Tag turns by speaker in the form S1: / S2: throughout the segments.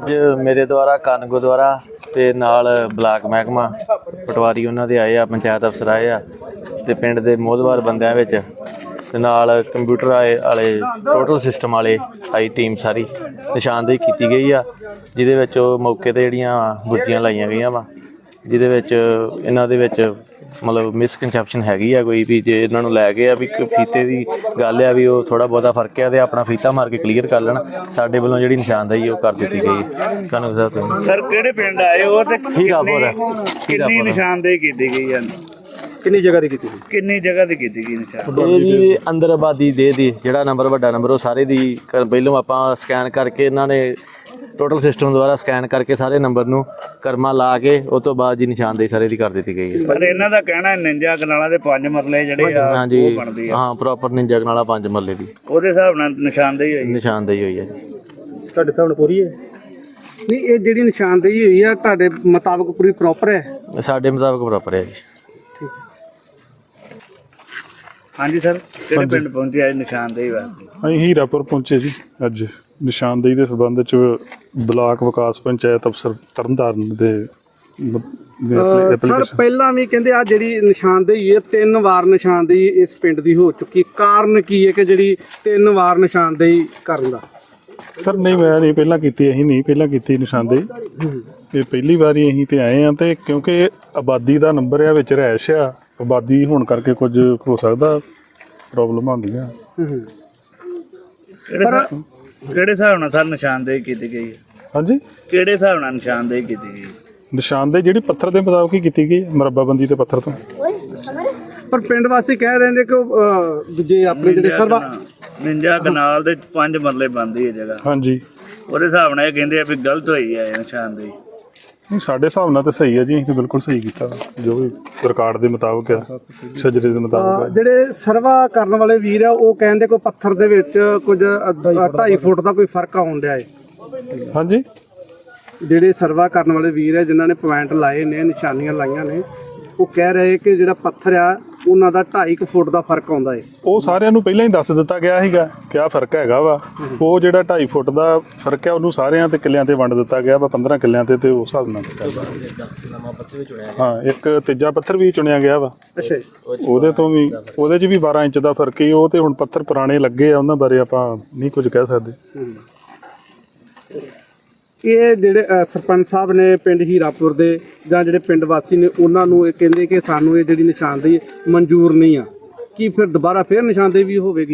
S1: ਅੱਜ ਮੇਰੇ ਦੁਆਰਾ ਕਾਨ ਗੁਰਦੁਆਰਾ ਤੇ ਨਾਲ ਬਲਾਕ ਮਹਿਕਮਾ ਪਟਵਾਰੀ ਉਹਨਾਂ ਦੇ ਆਏ ਆ, ਪੰਚਾਇਤ ਅਫਸਰ ਆਏ ਆ ਤੇ ਪਿੰਡ ਦੇ ਮੋਹਦਵਾਰ ਬੰਦਿਆਂ ਵਿੱਚ ਤੇ ਨਾਲ ਕੰਪਿਊਟਰ ਵਾਲੇ ਟੋਟਲ ਸਿਸਟਮ ਵਾਲੇ ਆਈ ਟੀਮ ਸਾਰੀ ਨਿਸ਼ਾਨਦੇਹੀ ਕੀਤੀ ਗਈ ਆ, ਜਿਹਦੇ ਵਿੱਚ ਉਹ ਮੌਕੇ 'ਤੇ ਜਿਹੜੀਆਂ ਗੁੱਜੀਆਂ ਲਾਈਆਂ ਗਈਆਂ ਵਾ, ਜਿਹਦੇ ਵਿੱਚ ਇਹਨਾਂ ਦੇ ਵਿੱਚ ਮਤਲਬ ਮਿਸਕਨਸੈਪਸ਼ਨ ਹੈਗੀ ਆ ਕੋਈ ਵੀ, ਜੇ ਇਹਨਾਂ ਨੂੰ ਲੈ ਕੇ ਆ ਵੀ ਫੀਤੇ ਦੀ ਗੱਲ ਆ ਵੀ ਉਹ ਥੋੜ੍ਹਾ ਬਹੁਤਾ ਫਰਕ ਆ ਤੇ ਆਪਣਾ ਫੀਤਾ ਮਾਰ ਕੇ ਕਲੀਅਰ ਕਰ ਲੈਣ। ਸਾਡੇ ਵੱਲੋਂ ਜਿਹੜੀ ਨਿਸ਼ਾਨਦੇਹੀ ਉਹ ਕਰ ਦਿੱਤੀ ਗਈ। ਤੁਹਾਨੂੰ
S2: ਸਰ ਕਿਹੜੇ ਪਿੰਡ ਆਏ ਹੋ ਤੇ
S1: ਹੀਰਾਪੁਰ
S2: ਕਿੰਨੀ ਨਿਸ਼ਾਨਦੇਹੀ ਕੀਤੀ ਗਈ ਹੈ?
S3: ਕਿੰਨੀ ਜਗ੍ਹਾ ਦੀ ਕੀਤੀ ਗਈ?
S2: ਕਿੰਨੀ ਜਗ੍ਹਾ ਦੀ ਕੀਤੀ ਗਈ ਨਿਸ਼ਾਨਦੇਹੀ?
S1: ਇਹ ਜੀ ਅੰਦਰ ਆਬਾਦੀ ਦੇ ਦੀ ਜਿਹੜਾ ਨੰਬਰ ਵੱਡਾ ਨੰਬਰ ਉਹ ਸਾਰੇ ਦੀ ਪਹਿਲੋਂ ਆਪਾਂ ਸਕੈਨ ਕਰਕੇ ਇਹਨਾਂ ਨੇ ਟੋਟਲ ਸਿਸਟਮ ਦੁਆਰਾ ਸਕੈਨ ਕਰਕੇ ਸਾਰੇ ਨੰਬਰ ਨੂੰ ਕਰਮਾ ਲਾ ਕੇ ਉਸ ਤੋਂ ਬਾਅਦ ਜੀ ਨਿਸ਼ਾਨਦੇਹੀ ਸਾਰੇ ਦੀ ਕਰ ਦਿੱਤੀ ਗਈ ਹੈ।
S2: ਪਰ ਇਹਨਾਂ ਦਾ ਕਹਿਣਾ ਨਿੰਜਾ ਕਨਾਲਾਂ ਦੇ 5 ਮਰਲੇ ਜਿਹੜੇ ਆ ਉਹ ਬਣਦੀ ਆ।
S1: ਹਾਂ ਪ੍ਰੋਪਰ ਨਿੰਜਾ ਕਨਾਲਾ 5 ਮਰਲੇ ਦੀ
S2: ਉਹਦੇ ਹਿਸਾਬ ਨਾਲ ਨਿਸ਼ਾਨਦੇਹੀ
S1: ਹੋਈ ਹੈ ਜੀ।
S3: ਤੁਹਾਡੇ ਹਿਸਾਬ ਨਾਲ ਪੂਰੀ ਹੈ? ਨਹੀਂ, ਇਹ ਜਿਹੜੀ ਨਿਸ਼ਾਨਦੇਹੀ ਹੋਈ ਆ ਤੁਹਾਡੇ ਮੁਤਾਬਕ ਪੂਰੀ ਪ੍ਰੋਪਰ ਹੈ?
S1: ਸਾਡੇ ਮੁਤਾਬਕ ਪ੍ਰੋਪਰ ਹੈ ਜੀ।
S2: ਹਾਂਜੀ ਸਰ, ਕਿਹੜੇ ਪਿੰਡ ਪਹੁੰਚੇ ਅੱਜ ਨਿਸ਼ਾਨਦੇਹੀ ਵਾਸਤੇ?
S4: ਅਸੀਂ ਹੀਰਾਪੁਰ ਪਹੁੰਚੇ ਜੀ ਅੱਜ ਨਿਸ਼ਾਨਦੇਹੀ ਦੇ ਸੰਬੰਧ 'ਚ ਬਲਾਕ ਵਿਕਾਸ ਪੰਚਾਇਤ ਅਫਸਰ ਤਰਨਤਾਰਨ ਦੇ
S3: ਸਰ ਪਹਿਲਾਂ ਵੀ ਕਹਿੰਦੇ ਆ ਜਿਹੜੀ ਨਿਸ਼ਾਨਦੇਹੀ ਹੈ 3 ਵਾਰ ਨਿਸ਼ਾਨਦੇਹੀ ਇਸ ਪਿੰਡ ਦੀ ਹੋ ਚੁੱਕੀ, ਕਾਰਨ ਕੀ ਹੈ ਕਿ ਜਿਹੜੀ 3 ਵਾਰ ਨਿਸ਼ਾਨਦੇਹੀ ਕਰਨ ਦਾ?
S4: ਸਰ ਨਹੀਂ, ਮੈਂ ਨਹੀਂ ਪਹਿਲਾਂ ਕੀਤੀ, ਅਸੀਂ ਨਹੀਂ ਪਹਿਲਾਂ ਕੀਤੀ ਨਿਸ਼ਾਨਦੇਹੀ, ਇਹ ਪਹਿਲੀ ਵਾਰੀ ਅਸੀਂ ਤੇ ਆਏ ਆ। ਤੇ ਕਿਉਂਕਿ ਆਬਾਦੀ ਦਾ ਨੰਬਰ ਆ ਵਿੱਚ ਰਿਹਾਇਸ਼ ਆ, ਆਬਾਦੀ ਹੋਣ ਕਰਕੇ ਕੁਝ ਹੋ ਸਕਦਾ ਪ੍ਰੋਬਲਮ ਆਉਂਦੀਆਂ।
S2: ਕਿਹੜੇ ਹਿਸਾਬ ਨਾਲ ਸਰ ਨਿਸ਼ਾਨਦੇਹੀ ਕੀਤੀ ਗਈ ਹੈ?
S4: ਹਾਂਜੀ,
S2: ਕਿਹੜੇ ਹਿਸਾਬ ਨਾਲ ਨਿਸ਼ਾਨਦੇਹੀ ਕੀਤੀ ਗਈ?
S4: ਨਿਸ਼ਾਨਦੇਹੀ ਜਿਹੜੀ ਪੱਥਰ ਦੇ ਮੁਤਾਬਕ ਹੀ ਕੀਤੀ ਗਈ, ਮਰੱਬਾਬੰਦੀ ਤੇ ਪੱਥਰ ਤੋਂ।
S3: ਪਰ ਪਿੰਡ ਵਾਸੀ ਕਹਿ ਰਹੇ ਨੇ ਕਿ ਦੂਜੇ ਆਪਣੇ ਜਿਹੜੇ ਸਰਵਾ
S2: ਨਿੰਜਾ ਕਨਾਲ ਦੇ 5 ਮਰਲੇ ਬਣਦੀ ਹੈ ਜਗ੍ਹਾ।
S4: ਹਾਂਜੀ,
S2: ਉਹਦੇ ਹਿਸਾਬ ਨਾਲ ਇਹ ਕਹਿੰਦੇ ਆ ਵੀ ਗਲਤ ਹੋਈ ਹੈ ਨਿਸ਼ਾਨਦੇਹੀ।
S4: ਨਹੀਂ ਸਾਡੇ ਹਿਸਾਬ ਨਾਲ ਤਾਂ ਸਹੀ ਹੈ ਜੀ, ਅਸੀਂ ਬਿਲਕੁਲ ਸਹੀ ਕੀਤਾ ਜੋ ਵੀ ਰਿਕਾਰਡ ਦੇ ਮੁਤਾਬਕ ਆ, ਸ਼ਜਰੇ ਦੇ ਮੁਤਾਬਕ ਆ।
S3: ਜਿਹੜੇ ਸਰਵਾ ਕਰਨ ਵਾਲੇ ਵੀਰ ਆ ਉਹ ਕਹਿੰਦੇ ਕੋਈ ਪੱਥਰ ਦੇ ਵਿੱਚ ਕੁਝ 2.5 ਫੁੱਟ ਦਾ ਕੋਈ ਫਰਕ ਆਉਣ ਡਿਆ ਹੈ।
S4: ਹਾਂਜੀ,
S3: ਜਿਹੜੇ ਸਰਵਾ ਕਰਨ ਵਾਲੇ ਵੀਰ ਆ ਜਿਨ੍ਹਾਂ ਨੇ ਪੁਆਇੰਟ ਲਾਏ ਨੇ, ਨਿਸ਼ਾਨੀਆਂ ਲਾਈਆਂ ਨੇ, ਉਹ ਕਹਿ ਰਹੇ ਕਿ ਜਿਹੜਾ ਪੱਥਰ ਆ ਉਹਨਾਂ ਦਾ 2.5 ਫੁੱਟ ਦਾ ਫਰਕ ਆਉਂਦਾ ਹੈ।
S4: ਉਹ ਸਾਰਿਆਂ ਨੂੰ ਪਹਿਲਾਂ ਹੀ ਦੱਸ ਦਿੱਤਾ ਗਿਆ ਸੀਗਾ ਕਿ ਆਹ ਫਰਕ ਹੈਗਾ ਵਾ। ਉਹ ਜਿਹੜਾ 2.5 ਫੁੱਟ ਦਾ ਫਰਕ ਹੈ ਉਹਨੂੰ ਸਾਰਿਆਂ ਤੇ ਕਿੱਲਿਆਂ ਤੇ ਵੰਡ ਦਿੱਤਾ ਗਿਆ ਵਾ, 15 ਕਿੱਲਿਆਂ ਤੇ ਉਸ ਹਿਸਾਬ ਨਾਲ ਹਾਂ ਇੱਕ ਤੀਜਾ ਪੱਥਰ ਵੀ ਚੁਣਿਆ ਗਿਆ ਵਾ।
S3: ਅੱਛਾ,
S4: ਉਹਦੇ ਤੋਂ ਵੀ ਉਹਦੇ 'ਚ ਵੀ 12 ਇੰਚ ਦਾ ਫਰਕ ਹੀ। ਉਹ ਤੇ ਹੁਣ ਪੱਥਰ ਪੁਰਾਣੇ ਲੱਗੇ ਆ, ਉਹਨਾਂ ਬਾਰੇ ਆਪਾਂ ਨਹੀਂ ਕੁਝ ਕਹਿ ਸਕਦੇ।
S3: ਇਹ ਜਿਹੜੇ ਸਰਪੰਚ ਸਾਹਿਬ ਨੇ ਪਿੰਡ ਹੀਰਾਪੁਰ ਦੇ ਜਾਂ ਜਿਹੜੇ ਪਿੰਡ ਵਾਸੀ ਨੇ ਉਹਨਾਂ ਨੂੰ ਇਹ ਕਹਿੰਦੇ ਕਿ ਸਾਨੂੰ ਇਹ ਜਿਹੜੀ ਨਿਸ਼ਾਨਦੇਹੀ ਮਨਜ਼ੂਰ ਨਹੀਂ ਆ, ਕੀ ਫਿਰ ਦੁਬਾਰਾ ਫਿਰ ਨਿਸ਼ਾਨਦੇਹੀ ਵੀ ਹੋਵੇਗੀ?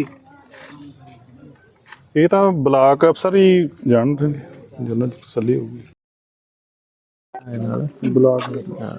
S4: ਇਹ ਤਾਂ ਬਲਾਕ ਅਫਸਰ ਹੀ ਜਾਣਦੇ ਨੇ, ਜਿਹਨਾਂ ਦੀ ਤਸੱਲੀ ਹੋਊਗੀ। ਬਲਾਕ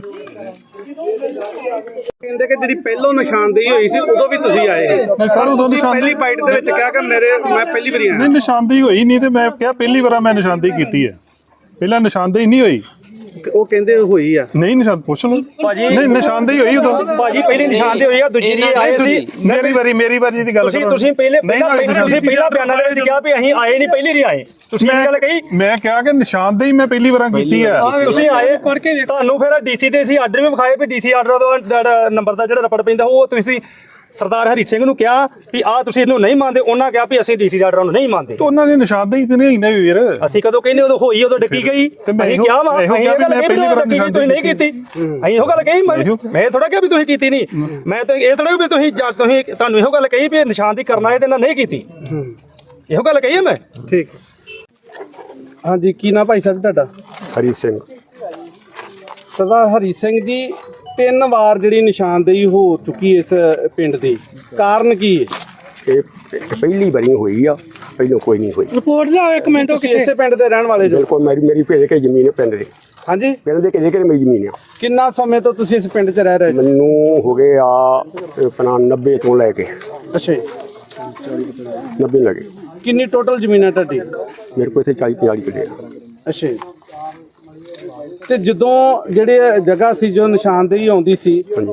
S3: ਕਹਿੰਦੇ ਕਿ ਜਿਹੜੀ ਪਹਿਲੋਂ ਨਿਸ਼ਾਨਦੇਹੀ ਹੋਈ ਸੀ ਉਦੋਂ ਵੀ ਤੁਸੀਂ ਆਏ
S4: ਨਹੀਂ ਸਰ, ਉਦੋਂ
S3: ਪਹਿਲੀ ਬਾਈਟ ਦੇ ਵਿੱਚ ਕਿਹਾ ਕਿ ਮੈਂ ਪਹਿਲੀ ਵਾਰੀ ਆਇਆ।
S4: ਨਹੀਂ, ਨਿਸ਼ਾਨਦੇਹੀ ਹੋਈ ਨਹੀਂ ਤੇ ਮੈਂ ਕਿਹਾ ਪਹਿਲੀ ਵਾਰ ਮੈਂ ਨਿਸ਼ਾਨਦੇਹੀ ਕੀਤੀ ਹੈ, ਪਹਿਲਾਂ ਨਿਸ਼ਾਨਦੇਹੀ ਨਹੀਂ ਹੋਈ।
S3: ਉਹ ਕਹਿੰਦੇ ਹੋਈ ਆ।
S4: ਨਹੀਂ ਨਿਸ਼ਾਨ ਪੁੱਛ ਲਓ ਨਹੀਂ, ਨਿਸ਼ਾਨਦੇਹੀ ਹੋਈ ਉਦੋਂ
S5: ਭਾਜੀ, ਪਹਿਲੀ ਨਿਸ਼ਾਨਦੇਹੀ ਹੋਈ ਆ, ਦੂਜੀ ਦੀ ਆਏ ਸੀ।
S4: ਮੇਰੀ ਵਾਰੀ ਦੀ ਗੱਲ ਕਰੋ।
S5: ਤੁਸੀਂ ਪਹਿਲਾਂ ਬਿਆਨਾਂ ਦੇ ਵਿੱਚ ਕਿਹਾ ਵੀ ਅਸੀਂ ਆਏ ਨਹੀਂ, ਪਹਿਲੀ ਨਹੀਂ ਆਏ। ਤੁਸੀਂ ਇਹ ਗੱਲ ਕਹੀ।
S4: ਮੈਂ ਕਿਹਾ ਕਿ ਨਿਸ਼ਾਨਦੇਹੀ ਮੈਂ ਪਹਿਲੀ ਵਾਰ ਕੀਤੀ ਹੈ।
S5: ਤੁਸੀਂ ਆਏ ਤੁਹਾਨੂੰ ਫਿਰ ਡੀਸੀ ਦੇ ਸੀ ਆਰਡਰ ਵੀ ਵਿਖਾਏ ਵੀ ਡੀਸੀ ਆਰਡਰ ਦਾ ਨੰਬਰ ਦਾ ਜਿਹੜਾ ਰਪੜ ਪੈਂਦਾ ਉਹ ਤੁਸੀਂ ਸਰਦਾਰ ਹਰੀ ਸਿੰਘ ਨੂੰ ਕਿਹਾ ਵੀ ਆਹ ਤੁਸੀਂ ਇਹਨੂੰ ਨਹੀਂ ਮੰਨਦੇ, ਉਹਨਾਂ ਕਿਹਾ ਵੀ ਅਸੀਂ ਡੀਸੀ ਆਰਡਰ ਨੂੰ ਨਹੀਂ ਮੰਨਦੇ।
S4: ਤੇ ਉਹਨਾਂ ਦੀ ਨਿਸ਼ਾਨਦੇਹੀ ਤੇ ਨਹੀਂ ਨਾ ਵੀਰ।
S5: ਅਸੀਂ ਕਦੋਂ ਕਹਿੰਦੇ ਉਦੋਂ ਹੋਈ, ਉਦੋਂ ਡੱਕੀ ਗਈ। ਅਸੀਂ ਕਿਹਾ ਵਾ ਅਸੀਂ ਇਹ ਗੱਲ ਕਹੀ ਵੀ ਡੱਕੀ ਗਈ, ਤੁਸੀਂ ਨਹੀਂ ਕੀਤੀ। ਅਸੀਂ ਇਹੋ ਗੱਲ ਕਹੀ, ਮੈਂ ਥੋੜਾ ਕਿਹਾ ਵੀ ਤੁਸੀਂ ਕੀਤੀ ਨਹੀਂ। ਮੈਂ ਤਾਂ ਇਹ ਥੋੜਾ ਵੀ ਤੁਸੀਂ ਤੁਹਾਨੂੰ ਇਹੋ ਗੱਲ ਕਹੀ ਵੀ ਨਿਸ਼ਾਨਦੇਹੀ ਕਰਨਾ ਇਹਦੇ ਨਾਲ ਨਹੀਂ ਕੀਤੀ, ਇਹੋ ਗੱਲ ਕਹੀ ਹੈ ਮੈਂ।
S3: ਠੀਕ, ਹਾਂਜੀ। ਕੀ ਨਾਮ ਭਾਈ ਸਾਹਿਬ ਤੁਹਾਡਾ?
S6: ਹਰੀ ਸਿੰਘ।
S3: ਸਰਦਾਰ ਹਰੀ ਸਿੰਘ ਜੀ, 3 ਵਾਰ ਜਿਹੜੀ ਨਿਸ਼ਾਨਦੇਹੀ ਹੋ ਚੁੱਕੀ ਇਸ ਪਿੰਡ ਦੀ, ਕਾਰਨ ਕੀ ਹੈ?
S6: ਇਹ ਪਹਿਲੀ ਵਾਰੀ ਹੋਈ ਆ, ਪਹਿਲਾਂ ਕੋਈ ਨਹੀਂ ਹੋਈ।
S5: ਰਿਪੋਰਟ ਲਿਆਓ ਇੱਕ ਮਿੰਟ।
S3: ਤੁਸੀਂ ਇਸੇ ਪਿੰਡ ਦੇ ਰਹਿਣ ਵਾਲੇ ਜੋ?
S6: ਬਿਲਕੁਲ, ਮੇਰੀ ਭੇਜ ਕੇ ਜ਼ਮੀਨ ਹੈ ਪਿੰਡ ਦੇ।
S3: ਹਾਂਜੀ,
S6: ਪਿੰਡ ਦੇ ਕਿਹੜੇ ਮੇਰੀ ਜ਼ਮੀਨ ਆ।
S3: ਕਿੰਨਾ ਸਮੇਂ ਤੋਂ ਤੁਸੀਂ ਇਸ ਪਿੰਡ 'ਚ ਰਹਿ ਰਹੇ?
S6: ਮੈਨੂੰ ਹੋ ਗਏ ਆ ਆਪਣਾ 90 ਤੋਂ ਲੈ ਕੇ।
S3: ਅੱਛਾ ਜੀ,
S6: 90 ਲੱਗੇ।
S3: ਕਿੰਨੀ ਟੋਟਲ ਜ਼ਮੀਨ ਹੈ ਤੁਹਾਡੀ?
S6: ਮੇਰੇ ਕੋਲ ਇੱਥੇ 40-50 ਕਿੱਲੇ ਆ।
S3: ਅੱਛਾ ਜੀ। ਤੇ ਜਦੋਂ ਜਿਹੜੇ ਜਗ੍ਹਾ ਸੀ ਜੋ ਨਿਸ਼ਾਨਦੇਹੀ ਆਉਂਦੀ ਸੀ,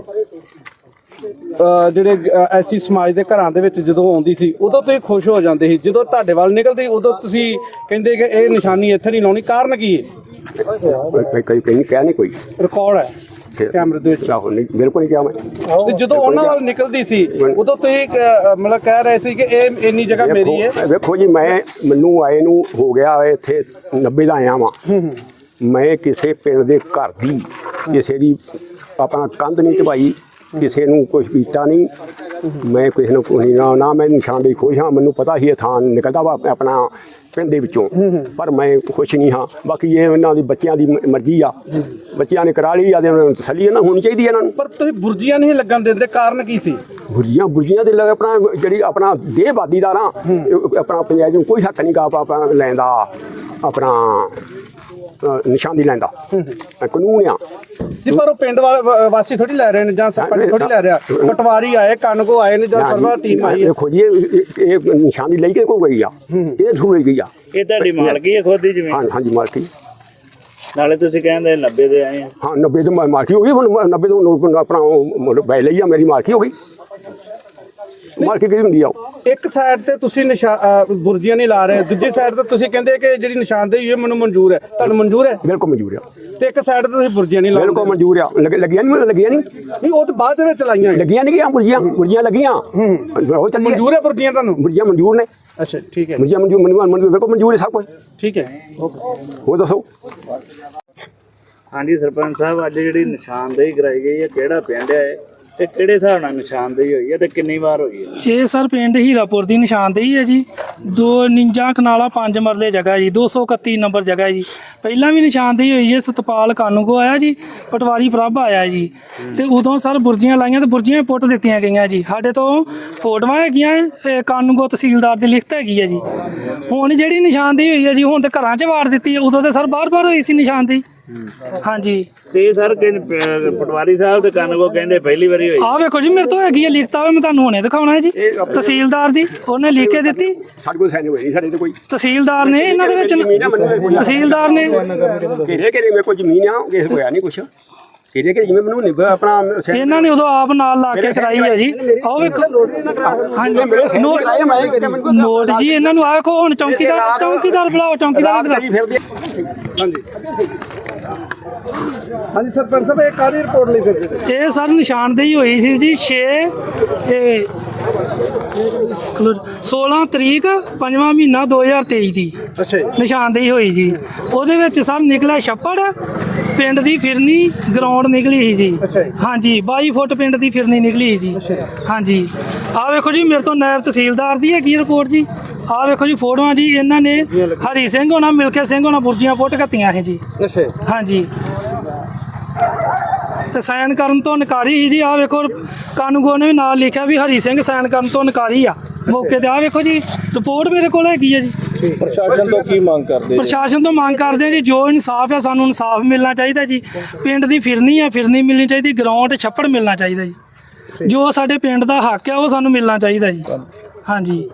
S3: ਜਿਹੜੇ ਐਸੀ ਸਮਾਜ ਦੇ ਘਰਾਂ ਦੇ ਵਿੱਚ ਜਦੋਂ ਆਉਂਦੀ ਸੀ ਉਦੋਂ ਤੁਸੀਂ ਖੁਸ਼ ਹੋ ਜਾਂਦੇ ਸੀ, ਜਦੋਂ ਤੁਹਾਡੇ ਵੱਲ ਨਿਕਲਦੀ ਉਦੋਂ ਤੁਸੀਂ ਕਹਿੰਦੇ ਕਿ ਇਹ ਨਿਸ਼ਾਨੀ ਇੱਥੇ ਨਹੀਂ ਲਾਉਣੀ, ਕਾਰਨ ਕੀ ਹੈ?
S6: ਕਈ ਕਹਿ ਨਹੀਂ ਕੋਈ
S3: ਰਿਕਾਰਡ ਹੈ। ਕੈਮਰੇ ਦੇ ਵਿੱਚ?
S6: ਆਹੋ ਨਹੀਂ ਬਿਲਕੁਲ ਨਹੀਂ ਕਿਹਾ ਮੈਂ।
S3: ਤੇ ਜਦੋਂ ਉਹਨਾਂ ਵੱਲ ਨਿਕਲਦੀ ਸੀ ਉਦੋਂ ਤੁਸੀਂ ਮਤਲਬ ਕਹਿ ਰਹੇ ਸੀ ਕਿ ਇਹ ਇੰਨੀ ਜਗ੍ਹਾ ਮੇਰੀ ਹੈ?
S6: ਵੇਖੋ ਜੀ ਮੈਨੂੰ ਆਏ ਨੂੰ ਹੋ ਗਿਆ ਇੱਥੇ 90 ਦਾ ਆਇਆ ਵਾਂ। ਮੈਂ ਕਿਸੇ ਪਿੰਡ ਦੇ ਘਰ ਦੀ ਕਿਸੇ ਦੀ ਆਪਣਾ ਕੰਧ ਨਹੀਂ ਢਵਾਈ, ਕਿਸੇ ਨੂੰ ਕੁਝ ਕੀਤਾ ਨਹੀਂ। ਮੈਂ ਕਿਸੇ ਨੂੰ ਕੋਈ ਨਾ ਮੈਂ ਨਿਸ਼ਾਨਦੇਹੀ ਖੁਸ਼ ਹਾਂ। ਮੈਨੂੰ ਪਤਾ ਹੀ ਇਹ ਥਾਂ ਨਿਕਲਦਾ ਵਾ ਆਪਣਾ ਪਿੰਡ ਦੇ ਵਿੱਚੋਂ, ਪਰ ਮੈਂ ਖੁਸ਼ ਨਹੀਂ ਹਾਂ। ਬਾਕੀ ਇਹ ਇਹਨਾਂ ਦੀ ਬੱਚਿਆਂ ਦੀ ਮਰਜ਼ੀ ਆ, ਬੱਚਿਆਂ ਨੇ ਕਰਾ ਲਈ ਆ ਤੇ ਉਹਨਾਂ ਨੂੰ ਤਸੱਲੀ ਨਾ ਹੋਣੀ ਚਾਹੀਦੀ ਇਹਨਾਂ ਨੂੰ।
S3: ਪਰ ਤੁਸੀਂ ਬੁਰਜੀਆਂ ਨਹੀਂ ਲੱਗਣ ਦਿੰਦੇ, ਕਾਰਨ ਕੀ ਸੀ?
S6: ਬੁਰਜੀਆਂ ਦੇ ਲੱਗ ਆਪਣਾ ਜਿਹੜੀ ਆਪਣਾ ਦੇਹਬਾਦੀ ਦਾ ਨਾ ਆਪਣਾ ਪੰਜਾਬ ਨੂੰ ਕੋਈ ਹੱਕ ਨਹੀਂ ਗਾ ਆਪਾਂ ਲੈਂਦਾ ਆਪਣਾ ਨਿਸ਼ਾਨੀ ਲੈਂਦਾ ਕਾਨੂੰਨ ਆ।
S3: ਜੀ ਪਰ ਉਹ ਪਿੰਡ ਵਾਸੀ ਥੋੜੀ ਲੈ ਰਹੇ ਨੇ ਜਾਂ ਸਰਪੰਚ ਥੋੜੀ ਲੈ ਰਿਹਾ। ਪਟਵਾਰੀ ਆਏ, ਕਾਨੂੰਗੋ ਆਏ ਨੇ ਜਾਂ ਸਰਵਾ ਟੀਮ ਆਈ ਹੈ।
S6: ਦੇਖੋ ਜੀ ਇਹ ਨਿਸ਼ਾਨੀ ਲਈ ਕੇ ਕੋਈ ਗਈ ਆ, ਇਹ ਥਰੂ ਲਈ ਗਈ ਆ।
S2: ਇਹ ਤੁਹਾਡੀ ਮਾਲਕੀ ਹੈ ਖੁਦ ਦੀ ਜ਼ਮੀਨ?
S6: ਹਾਂਜੀ ਮਾਲਕੀ।
S2: ਨਾਲੇ ਤੁਸੀਂ ਕਹਿੰਦੇ 90 ਦੇ ਆਏ ਆ।
S6: ਹਾਂ 90 ਤੋਂ ਮਾਲਕੀ ਹੋ ਗਈ, ਹੁਣ 90 ਤੋਂ ਆਪਣਾ ਬੈ ਲਈ ਆ, ਮੇਰੀ ਮਾਲਕੀ ਹੋ ਗਈ। ਮਾਲਕੀ ਕਿਹੜੀ ਹੁੰਦੀ ਆ?
S3: ਇੱਕ ਸਾਈਡ ਤੇ ਤੁਸੀਂ ਬੁਰਜੀਆਂ ਨਹੀਂ ਲਾ ਰਹੇ, ਦੂਜੀ ਸਾਈਡ ਤੇ ਤੁਸੀਂ ਕਹਿੰਦੇ ਕਿ ਜਿਹੜੀ ਨਿਸ਼ਾਨਦੇਹੀ ਹੈ ਮੈਨੂੰ ਮਨਜ਼ੂਰ ਹੈ। ਤੁਹਾਨੂੰ ਮਨਜ਼ੂਰ ਹੈ?
S6: ਬਿਲਕੁਲ ਮਨਜ਼ੂਰ ਆ।
S3: ਤੇ ਇੱਕ ਸਾਈਡ ਤੇ ਤੁਸੀਂ ਬੁਰਜੀਆਂ ਨਹੀਂ ਲਾ ਰਹੇ?
S6: ਬਿਲਕੁਲ ਮਨਜ਼ੂਰ ਆ। ਲੱਗੀਆਂ ਨਹੀਂ
S3: ਉਹ ਤਾਂ ਬਾਅਦ ਦੇ ਵਿੱਚ ਲਾਈਆਂ
S6: ਲੱਗੀਆਂ ਨਹੀਂ ਗਿਆ। ਬੁਰਜੀਆਂ ਲੱਗੀਆਂ। ਉਹ ਚੱਲੀ
S3: ਮਨਜ਼ੂਰ ਹੈ ਬੁਰਜੀਆਂ ਤੁਹਾਨੂੰ?
S6: ਬੁਰਜੀਆਂ ਮਨਜ਼ੂਰ ਨੇ।
S3: ਅੱਛਾ ਠੀਕ ਹੈ।
S6: ਬੁਰਜੀਆਂ ਮਨਜ਼ੂਰ ਬਿਲਕੁਲ ਮਨਜ਼ੂਰ ਹੈ ਸਭ ਕੁਝ।
S3: ਠੀਕ ਹੈ
S6: ਹੋਰ ਦੱਸੋ।
S2: ਹਾਂਜੀ ਸਰਪੰਚ ਸਾਹਿਬ, ਅੱਜ ਜਿਹੜੀ ਨਿਸ਼ਾਨਦੇਹੀ ਕਰਾਈ ਗਈ ਹੈ ਕਿਹੜਾ ਪਿੰਡ ਹੈ ਤੇ ਕਿਹੜੇ ਹਿਸਾਬ ਨਾਲ ਨਿਸ਼ਾਨਦੇਹੀ ਹੋਈ ਹੈ ਤੇ ਕਿੰਨੀ ਵਾਰ ਹੋਈ ਹੈ?
S7: ਇਹ ਸਰ ਪਿੰਡ ਹੀਰਾਪੁਰ ਦੀ ਨਿਸ਼ਾਨਦੇਹੀ ਹੈ ਜੀ। 52 ਕਨਾਲਾ 5 ਮਰਲੇ ਜਗ੍ਹਾ ਜੀ, 231 ਨੰਬਰ ਜਗ੍ਹਾ ਜੀ। ਪਹਿਲਾਂ ਵੀ ਨਿਸ਼ਾਨਦੇਹੀ ਹੋਈ ਹੈ, ਸਤਪਾਲ ਕਾਨੂੰਗੋ ਆਇਆ ਜੀ, ਪਟਵਾਰੀ ਪ੍ਰਭ ਆਇਆ ਜੀ। ਤੇ ਉਦੋਂ ਸਰ ਬੁਰਜੀਆਂ ਲਾਈਆਂ ਤੇ ਬੁਰਜੀਆਂ ਪੁੱਟ ਦਿੱਤੀਆਂ ਗਈਆਂ ਜੀ। ਸਾਡੇ ਤੋਂ ਫੋਟੋਆਂ ਹੈਗੀਆਂ, ਕਾਨੂੰਗੋ ਤਹਿਸੀਲਦਾਰ ਦੀ ਲਿਖਤ ਹੈਗੀ ਹੈ ਜੀ। ਹੁਣ ਜਿਹੜੀ ਨਿਸ਼ਾਨਦੇਹੀ ਹੋਈ ਹੈ ਜੀ, ਹੁਣ ਤੇ ਘਰਾਂ 'ਚ ਵਾੜ ਦਿੱਤੀ ਹੈ। ਉਦੋਂ ਤੇ ਸਰ ਬਾਹਰ ਹੋਈ ਸੀ ਨਿਸ਼ਾਨਦੇਹੀ। ਹਾਂਜੀ
S2: ਤੇ ਸਰ ਪਟਵਾਰੀ ਸਾਹਿਬ ਤੇ ਕਾਨੂੰਗੋ ਕਹਿੰਦੇ ਪਹਿਲੀ ਵਾਰੀ ਹੋਈ।
S7: ਆਹ ਵੇਖੋ ਜੀ, ਮੇਰੇ ਤੋਂ ਹੈਗੀ ਹੈ ਲਿਖਤ, ਮੈਂ ਤੁਹਾਨੂੰ ਹੁਣੇ ਦਿਖਾਉਣਾ ਹੈ ਜੀ। ਤਹਿਸੀਲਦਾਰ ਦੀ ਉਹਨੇ ਲਿਖ ਕੇ ਦਿੱਤੀ।
S6: ਸਾਡੇ ਕੋਲ ਸਾਈਨ ਹੋਈ ਸਾਡੇ ਤੇ ਕੋਈ
S7: ਤਹਿਸੀਲਦਾਰ ਨੇ ਇਹਨਾਂ ਦੇ ਵਿੱਚ, ਤਹਿਸੀਲਦਾਰ ਨੇ
S6: ਕਿਹੜੇ ਮੇਰੇ ਕੋਲ ਜ਼ਮੀਨ ਆ, ਕਿਸੇ ਹੋਇਆ ਨਹੀਂ ਕੁਛ। ਕਿਹੜੇ ਜਿਵੇਂ ਮੈਨੂੰ ਆਪਣਾ
S7: ਇਹਨਾਂ ਨੇ ਉਦੋਂ ਆਪ ਨਾਲ ਲਾ ਕੇ ਕਰਾਈ ਹੈ ਜੀ। ਆਹ ਵੇਖੋ ਹਾਂਜੀ ਨੋਟ ਜੀ ਇਹਨਾਂ ਨੂੰ। ਆਹ ਕੋ ਹੁਣ ਚੌਂਕੀਦਾਰ ਬੁਲਾਓ, ਚੌਂਕੀਦਾਰ।
S3: ਹਾਂਜੀ ਹਾਂਜੀ ਸਰਪੰਚ ਸਾਹਿਬ, ਇਹ ਕਾਹਦੀ ਰਿਪੋਰਟ ਲਈ ਫਿਰਦੇ?
S7: ਇਹ ਸਰ ਨਿਸ਼ਾਨਦੇਹੀ ਹੋਈ ਸੀ ਜੀ 16 ਤਰੀਕ 5ਵਾਂ ਮਹੀਨਾ 2023 ਦੀ।
S3: ਅੱਛਾ ਜੀ।
S7: ਨਿਸ਼ਾਨਦੇਹੀ ਹੋਈ ਜੀ। ਉਹਦੇ ਵਿੱਚ ਸਰ ਨਿਕਲਿਆ ਛੱਪੜ, ਪਿੰਡ ਦੀ ਫਿਰਨੀ ਗਰਾਊਂਡ ਨਿਕਲੀ ਸੀ ਜੀ। ਹਾਂਜੀ 22 ਫੁੱਟ ਪਿੰਡ ਦੀ ਫਿਰਨੀ ਨਿਕਲੀ ਸੀ ਜੀ। ਹਾਂਜੀ ਆਹ ਵੇਖੋ ਜੀ, ਮੇਰੇ ਤੋਂ ਨਾਇਬ ਤਹਿਸੀਲਦਾਰ ਦੀ ਹੈਗੀ ਰਿਪੋਰਟ ਜੀ। ਆਹ ਵੇਖੋ ਜੀ ਫੋਟੋਆਂ ਜੀ। ਇਹਨਾਂ ਨੇ ਹਰੀ ਸਿੰਘ ਹੋਣਾ, ਮਿਲਕੇ ਸਿੰਘ ਹੋਣਾ ਬੁਰਜੀਆਂ ਪੁੱਟ ਘੱਤੀਆਂ ਸੀ ਜੀ।
S3: ਅੱਛਾ
S7: ਹਾਂਜੀ ਤੇ ਸਾਈਨ ਕਰਨ ਤੋਂ ਨਕਾਰੀ ਸੀ ਜੀ। ਆਹ ਵੇਖੋ ਕਾਨੂੰਗੋ ਨੇ ਵੀ ਨਾਲ ਲਿਖਿਆ ਵੀ ਹਰੀ ਸਿੰਘ ਸਾਈਨ ਕਰਨ ਤੋਂ ਨਕਾਰੀ ਆ ਮੌਕੇ ਤੇ। ਆਹ ਵੇਖੋ ਜੀ ਰਿਪੋਰਟ ਮੇਰੇ ਕੋਲ ਹੈਗੀ ਹੈ ਜੀ।
S3: ਪ੍ਰਸ਼ਾਸਨ ਤੋਂ ਕੀ ਮੰਗ ਕਰਦੇ?
S7: ਪ੍ਰਸ਼ਾਸਨ ਤੋਂ ਮੰਗ ਕਰਦੇ ਆ ਜੀ, ਜੋ ਇਨਸਾਫ ਹੈ ਸਾਨੂੰ ਇਨਸਾਫ ਮਿਲਣਾ ਚਾਹੀਦਾ ਜੀ। ਪਿੰਡ ਦੀ ਫਿਰਨੀ ਆ, ਫਿਰਨੀ ਮਿਲਣੀ ਚਾਹੀਦੀ। ਗਰਾਊਂਡ ਛੱਪੜ ਮਿਲਣਾ ਚਾਹੀਦਾ ਜੀ। ਜੋ ਸਾਡੇ ਪਿੰਡ ਦਾ ਹੱਕ ਹੈ ਉਹ ਸਾਨੂੰ ਮਿਲਣਾ ਚਾਹੀਦਾ ਜੀ। ਹਾਂਜੀ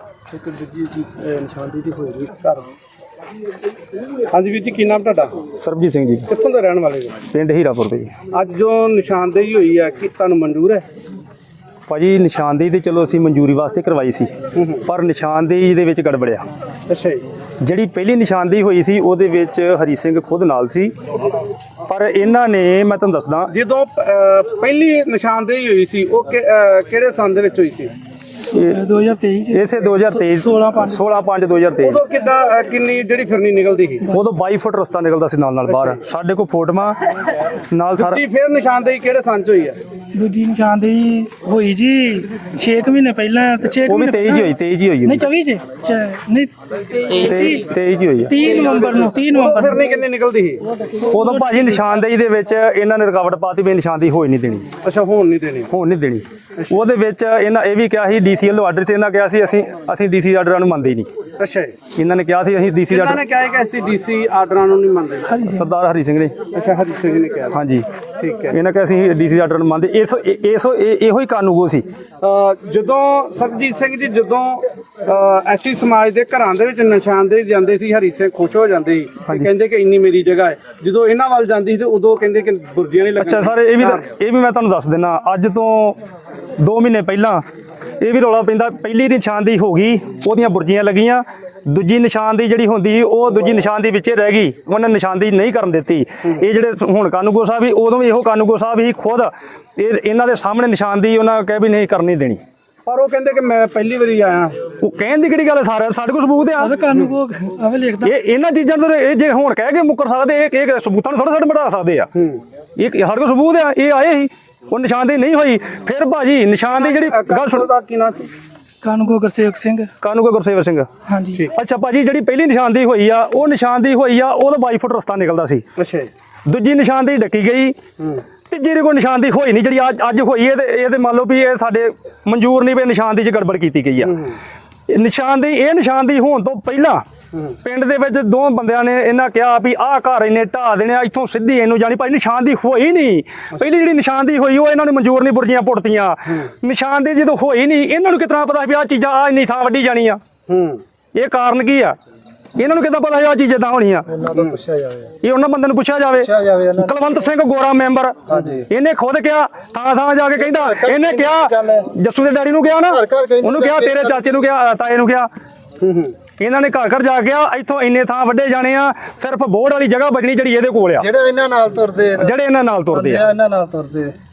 S3: ਹਾਂਜੀ ਵੀਰ ਜੀ, ਕੀ ਨਾਮ ਤੁਹਾਡਾ?
S5: ਸਰਬਜੀਤ ਸਿੰਘ ਜੀ,
S3: ਕਿੱਥੋਂ ਦੇ ਰਹਿਣ ਵਾਲੇ ਜੀ?
S5: ਪਿੰਡ ਹੀਰਾਪੁਰ ਦੇ ਜੀ।
S3: ਅੱਜ ਜੋ ਨਿਸ਼ਾਨਦੇਹੀ ਹੋਈ ਹੈ ਕਿ ਤੁਹਾਨੂੰ ਮਨਜ਼ੂਰ ਹੈ?
S5: ਭਾਜੀ ਨਿਸ਼ਾਨਦੇਹੀ ਤੇ ਚਲੋ ਅਸੀਂ ਮਨਜ਼ੂਰੀ ਵਾਸਤੇ ਕਰਵਾਈ ਸੀ, ਪਰ ਨਿਸ਼ਾਨਦੇਹੀ ਦੇ ਵਿੱਚ ਗੜਬੜਿਆ।
S3: ਅੱਛਾ ਜੀ।
S5: ਜਿਹੜੀ ਪਹਿਲੀ ਨਿਸ਼ਾਨਦੇਹੀ ਹੋਈ ਸੀ ਉਹਦੇ ਵਿੱਚ ਹਰੀ ਸਿੰਘ ਖੁਦ ਨਾਲ ਸੀ, ਪਰ ਇਹਨਾਂ ਨੇ, ਮੈਂ ਤੁਹਾਨੂੰ ਦੱਸਦਾ,
S3: ਜਦੋਂ ਪਹਿਲੀ ਨਿਸ਼ਾਨਦੇਹੀ ਹੋਈ ਸੀ ਉਹ ਕਿਹੜੇ ਸੰਨ ਦੇ ਵਿੱਚ ਹੋਈ ਸੀ?
S7: 2023
S5: ਇਸੇ 2023 16/5/2023।
S3: ਉਦੋਂ ਕਿੰਨੀ ਜਿਹੜੀ ਫਿਰਨੀ ਨਿਕਲਦੀ ਸੀ?
S5: ਉਦੋਂ 22 ਫੁੱਟ ਰਸਤਾ ਨਿਕਲਦਾ ਸੀ ਨਾਲ ਬਾਹਰ। ਸਾਡੇ ਕੋਲ ਫੋਟੋਆਂ ਨਾਲ ਸਾਰਾ।
S3: ਫਿਰ ਨਿਸ਼ਾਨਦੇਹੀ ਕਿਹੜੇ ਸੰਨ ਚ ਹੋਈ ਹੈ?
S7: ਦੂਜੀ ਨਿਸ਼ਾਨਦੇਹੀ ਹੋਈ ਜੀ 6 ਮਹੀਨੇ ਪਹਿਲਾਂ। ਤੇ 6
S5: ਉਹ ਵੀ 23 ਹੋਈ, 23 ਹੋਈ
S7: ਨਹੀਂ 24 ਚ ਨਹੀਂ
S5: 23 ਹੋਈ
S7: 30 ਨਵੰਬਰ ਨੂੰ। 30 ਨਵੰਬਰ
S3: ਫਿਰਨੀ ਕਿੰਨੀ ਨਿਕਲਦੀ ਸੀ
S5: ਉਦੋਂ? ਭਾਜੀ ਨਿਸ਼ਾਨਦੇਹੀ ਦੇ ਵਿੱਚ ਇਹਨਾਂ ਨੇ ਰੁਕਾਵਟ ਪਾਤੀ ਵੀ ਨਿਸ਼ਾਨਦੇਹੀ ਹੋਈ ਨਹੀਂ ਦੇਣੀ।
S3: ਅੱਛਾ, ਹੋਣ ਨਹੀਂ ਦੇਣੀ।
S5: ਹੋਣ ਨਹੀਂ ਦੇਣੀ। ਉਹਦੇ ਵਿੱਚ ਇਹਨਾਂ ਇਹ ਵੀ ਕਿਹਾ ਸੀ ਡੀਸੀ ਵੱਲੋਂ ਆਰਡਰ ਸੀ। ਇਹਨਾਂ ਕਿਹਾ ਸੀ ਅਸੀਂ ਡੀਸੀ ਆਰਡਰਾਂ ਨੂੰ ਮੰਨਦੇ ਹੀ ਨਹੀਂ।
S3: ਅੱਛਾ ਜੀ।
S5: ਇਹਨਾਂ ਨੇ ਕਿਹਾ ਸੀ ਅਸੀਂ ਡੀਸੀ
S3: ਇਹਨਾਂ ਨੇ ਕਿਹਾ ਕਿ ਅਸੀਂ ਡੀਸੀ ਆਰਡਰਾਂ ਨੂੰ ਨਹੀਂ ਮੰਨਦੇ।
S5: ਸਰਦਾਰ ਹਰੀ ਸਿੰਘ ਨੇ।
S3: ਅੱਛਾ, ਹਰੀ ਸਿੰਘ ਨੇ ਕਿਹਾ।
S5: ਹਾਂਜੀ
S3: ਠੀਕ ਹੈ।
S5: ਇਹਨਾਂ ਕਿਹਾ ਅਸੀਂ ਡੀਸੀ ਆਰਡਰ ਨੂੰ ਮੰਨਦੇ। ਇਹੋ ਹੀ ਕਾਨੂੰਗੋ ਸੀ।
S3: ਜਦੋਂ ਸਰਬਜੀਤ ਸਿੰਘ ਜੀ, ਜਦੋਂ ਐਸੀ ਸਮਾਜ ਦੇ ਘਰਾਂ ਦੇ ਵਿੱਚ ਨਿਸ਼ਾਨਦੇਹੀ ਜਾਂਦੇ ਸੀ, ਹਰੀ ਸਿੰਘ ਖੁਸ਼ ਹੋ ਜਾਂਦੇ ਸੀ, ਕਹਿੰਦੇ ਕਿ ਇੰਨੀ ਮੇਰੀ ਜਗ੍ਹਾ ਹੈ। ਜਦੋਂ ਇਹਨਾਂ ਵੱਲ ਜਾਂਦੀ ਸੀ ਤੇ ਉਦੋਂ ਕਹਿੰਦੇ ਕਿ ਬੁਰਜੀਆਂ ਨਹੀਂ ਲੱਗਣੀਆਂ।
S5: ਅੱਛਾ ਸਰ, ਇਹ ਵੀ ਮੈਂ ਤੁਹਾਨੂੰ ਦੱਸ ਦਿੰਦਾ। ਅੱਜ ਤੋਂ 2 ਮਹੀਨੇ ਪਹਿਲਾਂ ਇਹ ਵੀ ਰੌਲਾ ਪੈਂਦਾ। ਪਹਿਲੀ ਨਿਸ਼ਾਨਦੇਹੀ ਹੋ ਗਈ, ਉਹਦੀਆਂ ਬੁਰਜੀਆਂ ਲੱਗੀਆਂ ਦੂਜੀ ਨਿਸ਼ਾਨਦੇਹੀ ਜਿਹੜੀ ਹੁੰਦੀ ਉਹ ਦੂਜੀ ਨਿਸ਼ਾਨਦੇਹੀ ਵਿੱਚੇ ਰਹਿ ਗਈ, ਉਹਨਾਂ ਨੇ ਨਿਸ਼ਾਨਦੇਹੀ ਨਹੀਂ ਕਰਨ ਦਿੱਤੀ। ਇਹ ਜਿਹੜੇ ਹੁਣ ਕਾਨੂੰਗੋ ਸਾਹਿਬ ਵੀ ਉਦੋਂ ਵੀ ਇਹੋ ਕਾਨੂੰਗੋ ਸਾਹਿਬ ਹੀ ਖੁਦ ਇਹਨਾਂ ਦੇ ਸਾਹਮਣੇ ਨਿਸ਼ਾਨਦੇਹੀ ਉਹਨਾਂ ਕਹਿ ਵੀ ਨਹੀਂ ਕਰਨੀ ਦੇਣੀ।
S3: ਪਰ ਉਹ ਕਹਿੰਦੇ ਕਿ ਮੈਂ ਪਹਿਲੀ ਵਾਰੀ ਆਇਆ।
S5: ਉਹ ਕਹਿਣ ਦੀ ਕਿਹੜੀ ਗੱਲ ਹੈ, ਸਾਡੇ ਕੋਲ ਸਬੂਤ ਆ।
S7: ਕਾਨੂੰਗੋ ਆਵੇ ਲਿਖਦਾ
S5: ਇਹ ਇਹਨਾਂ ਚੀਜ਼ਾਂ ਤੋਂ ਇਹ ਜੇ ਹੁਣ ਕਹਿ ਕੇ ਮੁੱਕਰ ਸਕਦੇ, ਇਹ ਸਬੂਤਾਂ ਨੂੰ ਥੋੜਾ ਮਿਟਾ ਸਕਦੇ ਆ। ਇਹ ਸਾਡੇ ਕੋਲ ਸਬੂਤ ਆ, ਇਹ ਆਏ ਸੀ, ਉਹ ਨਿਸ਼ਾਨਦੇਹੀ ਨਹੀਂ ਹੋਈ। ਫਿਰ ਭਾਜੀ ਨਿਸ਼ਾਨਦੇਹੀ ਜਿਹੜੀ ਗੱਲ ਸੁਣ,
S3: ਦਾ ਕੀ ਨਾਂ ਸੀ?
S7: ਕਾਨੂੰਗੋ ਗੁਰਸੇਵਕ ਸਿੰਘ।
S5: ਕਾਨੂੰਗੋ ਗੁਰਸੇਵਕ ਸਿੰਘ।
S7: ਹਾਂਜੀ।
S5: ਅੱਛਾ ਭਾਜੀ, ਜਿਹੜੀ ਪਹਿਲੀ ਨਿਸ਼ਾਨਦੇਹੀ ਹੋਈ ਆ, ਉਹ ਨਿਸ਼ਾਨਦੇਹੀ ਹੋਈ ਆ, ਉਹਦਾ 22 ਫੁੱਟ ਰਸਤਾ ਨਿਕਲਦਾ ਸੀ।
S3: ਅੱਛਾ।
S5: ਦੂਜੀ ਨਿਸ਼ਾਨਦੇਹੀ ਡੱਕੀ ਗਈ, ਤੀਜੀ ਕੋਈ ਨਿਸ਼ਾਨਦੇਹੀ ਹੋਈ ਨਹੀਂ ਜਿਹੜੀ ਅੱਜ ਹੋਈ ਹੈ। ਤੇ ਇਹਦੇ ਮੰਨ ਲਓ ਵੀ ਇਹ ਸਾਡੇ ਮਨਜ਼ੂਰ ਨਹੀਂ ਵੀ ਨਿਸ਼ਾਨਦੇਹੀ 'ਚ ਗੜਬੜ ਕੀਤੀ ਗਈ ਆ। ਇਹ ਨਿਸ਼ਾਨਦੇਹੀ ਹੋਣ ਤੋਂ ਪਹਿਲਾਂ ਪਿੰਡ ਦੇ ਵਿੱਚ ਦੋ ਬੰਦਿਆਂ ਨੇ ਇਹਨਾਂ ਕਿਹਾ ਵੀ ਆਹ ਘਰ ਇਹਨੇ ਢਾਹ ਦੇਣੇ, ਇੱਥੋਂ ਸਿੱਧੀ ਇਹਨੂੰ ਜਾਣੀ। ਭਾਈ ਨਿਸ਼ਾਨਦੇਹੀ ਹੋਈ ਨਹੀਂ, ਪਹਿਲੀ ਜਿਹੜੀ ਨਿਸ਼ਾਨਦੇਹੀ ਹੋਈ ਉਹ ਇਹਨਾਂ ਨੂੰ ਮਨਜ਼ੂਰ ਨਹੀਂ, ਬੁਰਜੀਆਂ ਪੁੱਟਤੀਆਂ। ਨਿਸ਼ਾਨਦੇਹੀ ਜਦੋਂ ਹੋਈ ਨਹੀਂ, ਇਹਨਾਂ ਨੂੰ ਕਿਤਨਾ ਪਤਾ ਵੀ ਆਹ ਚੀਜ਼ਾਂ ਆਹ ਇੰਨੀ ਥਾਂ ਵੱਢੀ ਜਾਣੀ ਆ। ਇਹ ਕਾਰਨ ਕੀ ਆ? ਇਹਨਾਂ ਨੂੰ ਕਿੱਦਾਂ ਪਤਾ ਆਹ ਚੀਜ਼ ਇਦਾਂ ਹੋਣੀ ਆ? ਇਹ ਉਹਨਾਂ ਬੰਦੇ ਨੂੰ ਪੁੱਛਿਆ ਜਾਵੇ। ਕੁਲਵੰਤ ਸਿੰਘ ਗੋਰਾ ਮੈਂਬਰ, ਇਹਨੇ ਖੁਦ ਕਿਹਾ, ਥਾਂ ਜਾ ਕੇ ਕਹਿੰਦਾ, ਇਹਨੇ ਕਿਹਾ ਜੱਸੂ ਦੇ ਡੈਡੀ ਨੂੰ ਕਿਹਾ ਨਾ, ਉਹਨੂੰ ਕਿਹਾ, ਤੇਰੇ ਚਾਚੇ ਨੂੰ ਕਿਹਾ, ਤਾਏ ਨੂੰ ਕਿਹਾ। ਇਹਨਾਂ ਨੇ ਘਰ ਜਾ ਕੇ ਇੱਥੋਂ ਇੰਨੇ ਥਾਂ ਵੱਢੇ ਜਾਣੇ ਆ, ਸਿਰਫ ਬੋਰਡ ਵਾਲੀ ਜਗ੍ਹਾ ਬਚਣੀ ਜਿਹੜੀ ਇਹਦੇ ਕੋਲ ਆ, ਜਿਹੜੇ ਇਹਨਾਂ ਨਾਲ ਤੁਰਦੇ ਆ।